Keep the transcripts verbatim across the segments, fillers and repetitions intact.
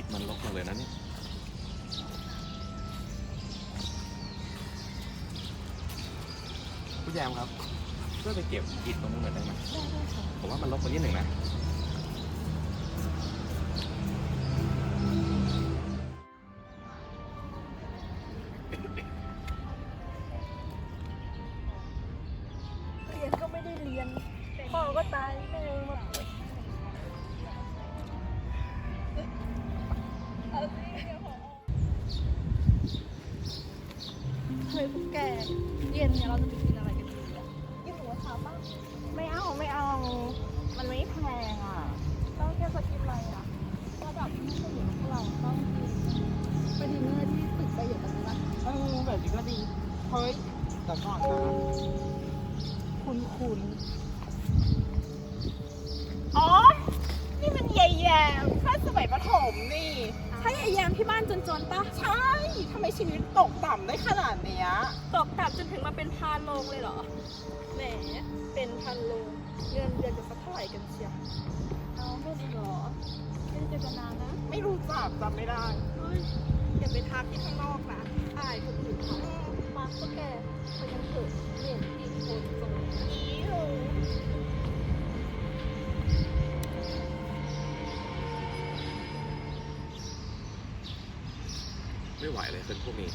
มันลกมาเลยนะเนี่ยพี่แยมครับช่วยไปเก็บอิฐตรงนู้นหน่อยได้ไหมได้ได้ค่ะผมว่ามันลกไปนิดหนึ่งนะเรียนก็ไม่ได้เรียนพ่อก็ตายแม่มาป่วยเฮ้ยพวกแกเย็นเนี่ยเราจะไปกินอะไรกันดีอ่ะกินหมูกระทะป่ะไม่เอาไม่เอามันไม่แพงอ่ะต้องแค่จะกินอะไรอ่ะระดับที่ผู้หญิงพวกเราต้องกินไปดินเนอร์ที่ตึกไปอยู่ตรงนี้ละเออแบบนี้ก็ดีเฮ้ยแต่ก่อนนะคุณคุณอ๋อนี่มันยายแยมถ้าสมัยประถมนี่ใช่ยายแยมที่บ้านจนๆปะใช่ทำไมชีวิตตกต่ำได้ขนาดเนี้ยตกต่ำจนถึงมาเป็นพานโรงเลยเหรอแหมเป็นพันโรงเงินเดือนจะสักเท่าไหร่กันเชียวเอาไม่ดีหรอไม่ได้เจอกันนานนะไม่รู้จักจำไม่ได้เฮ้ยอย่าไปทักที่ข้างนอกนะอายคนอื่นเขามาก็แกไปยังเถอะเห็นอีกคนตรงนี้เลยไม่ไหวเลยเป็นพวกนี้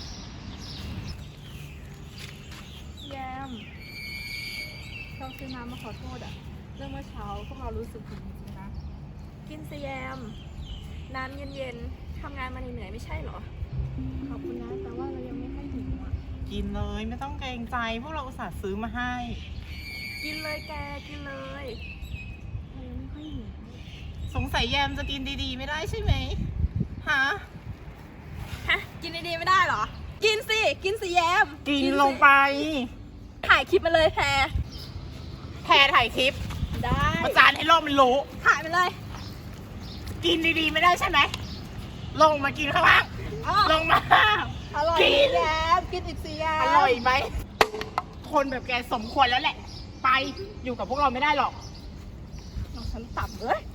แยมเราซื้อน้ำมาขอโทษอะเรื่องเมื่อเช้าพวกเรารู้สึกผิดจริงๆนะกินสิแยมน้ำเย็นๆทำงานมาเหนื่อยๆไม่ใช่เหรอขอบคุณนะแต่ว่าเรายังไม่ค่อยหิวอะกินเลยไม่ต้องเกรงใจพวกเราอุตส่าห์ซื้อมาให้กินเลยแกกินเลยเรายังไม่ค่อยหิวสงสัยแยมจะกินดีๆไม่ได้ใช่ไหมฮะฮะกินดีๆไม่ได้เหรอกินสิกินสิแยมกินลงไปถ่ายคลิปมาเลยแพรแพรถ่ายคลิปได้ประจานให้โลกมันรู้ถ่ายไปเลยกินดีๆไม่ได้ใช่ไหมลงมากินข้างล่างลงมาอร่อยกินแยมกินอีกสิแยมอร่อยไหมคนแบบแกสมควรแล้วแหละไปอยู่กับพวกเราไม่ได้หรอกน้องฉันต่ำเลย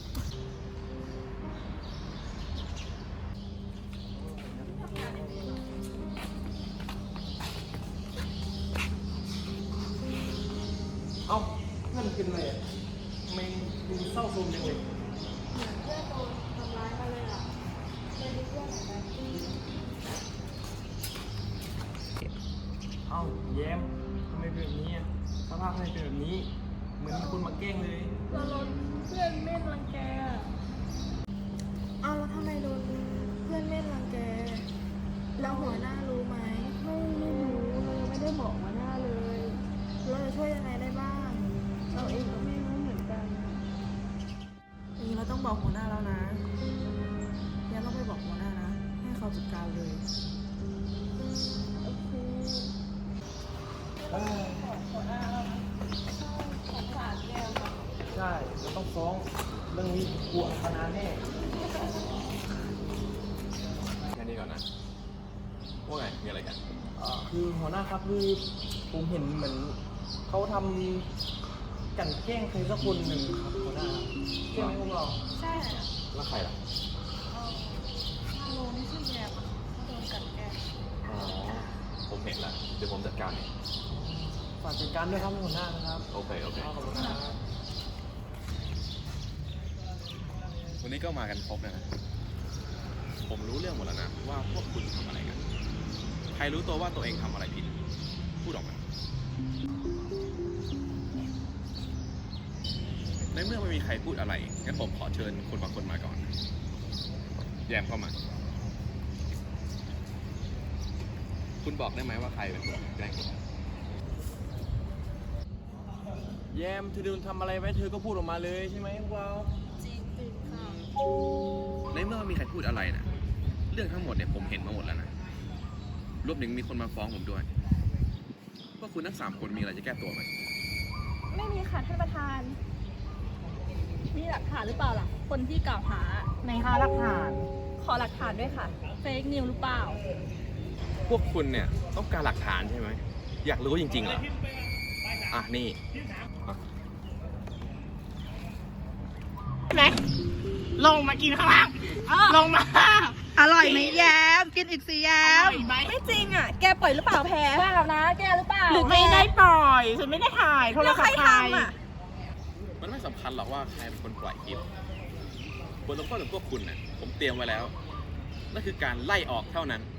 เอ้าเพื่อนกินอะไรอ่ะทำไมดูเศร้าโศกจังเลยเหมือนเพื่อนโดนทำร้ายมาเลยอ่ะเลยมีเพื่อนไหนไหมเอ้าแย้มทำไมเป็นแบบนี้อ่ะสภาพทำไมเป็นแบบนี้เหมือนมีคนมาแกล้งเลยเราโดนเพื่อนเม่นรังแกอ้าวแล้วทำไมโดนเพื่อนเม่นรังแกแล้วหัวหน้ารู้ไหมไม่ไม่รู้เลยไม่ได้บอกหัวหน้าเลยเราจะช่วยยังไงได้บ้างเราเองก็ไม่รู้เหมือนกันอย่างนี้เราต้องบอกหัวหน้าแล้วนะยังต้องไปบอกหัวหน้านะให้เขาจัดการเลยโอเคหัวหน้าสงสารแกค่ะใช่จะต้องฟ้องเรื่องนี้กลัวขนาดแน่แค่นี้ก่อนนะว่าไงมีอะไรกันคือหัวหน้าครับคือผมเห็นเหมือนเขาทำกันแกล้งใครสักคนหนึ่งครับหัวหน้าใช่ไหมพวกเราใช่แล้วใครล่ะโลนี่ชื่อแยมอ่ะเขาโดนกันแกล้งอ๋อผมเห็นแล้วเดี๋ยวผมจัดการเองฝากจัดการด้วยครับหัวหน้านะครับโอเคโอเคขอบคุณครับวันนี้ก็มากันครบแล้วนะผมรู้เรื่องหมดแล้วนะว่าพวกคุณทำอะไรกันใครรู้ตัวว่าตัวเองทำอะไรผิดพูดออกมาในเมื่อไม่มีใครพูดอะไรงั้นผมขอเชิญคนบางคนมาก่อนแยมเข้ามาคุณบอกได้ไหมว่าใครเป็นคนแกล้งคุณแยมเธอโดนทำอะไรไว้เธอก็พูดออกมาเลยใช่ไหมพวกเราจริงจริงค่ะในเมื่อไม่มีใครพูดอะไรนะเรื่องทั้งหมดเนี่ยผมเห็นมาหมดแล้วนะรวมถึงมีคนมาฟ้องผมด้วยพวกคุณทั้งสามคนมีอะไรจะแก้ตัวไหมไม่มีค่ะท่านประธานมีหลักฐานหรือเปล่าล่ะคนที่กล่าวหาในหาหลักฐานขอหลักฐานด้วยค่ะเฟกนิวหรือเปล่าพวกคุณเนี่ยต้องการหลักฐานใช่ไหมอยากรู้จริงๆเหรออ่ะนี่ไหนลงมากินข้างล่างลงมาอร่อยไหมแย้มกินอีกสิแย้อมร่อยไหมไม่จริงอ่ะ แกปล่อยหรือเปล่าแพรเปล่านะ แกหรือเปล่าหรือไม่ได้ปล่อยฉันไม่ได้ถ่ายโทรแล้วศัใคพรท์ใครทำอ่ะมันไม่สำคัญหรอกว่าใครเป็นคนปล่อยคลิปบทลงโทษของพวกคุณน่ะผมเตรียมไว้แล้วนั่นคือการไล่ออกเท่านั้น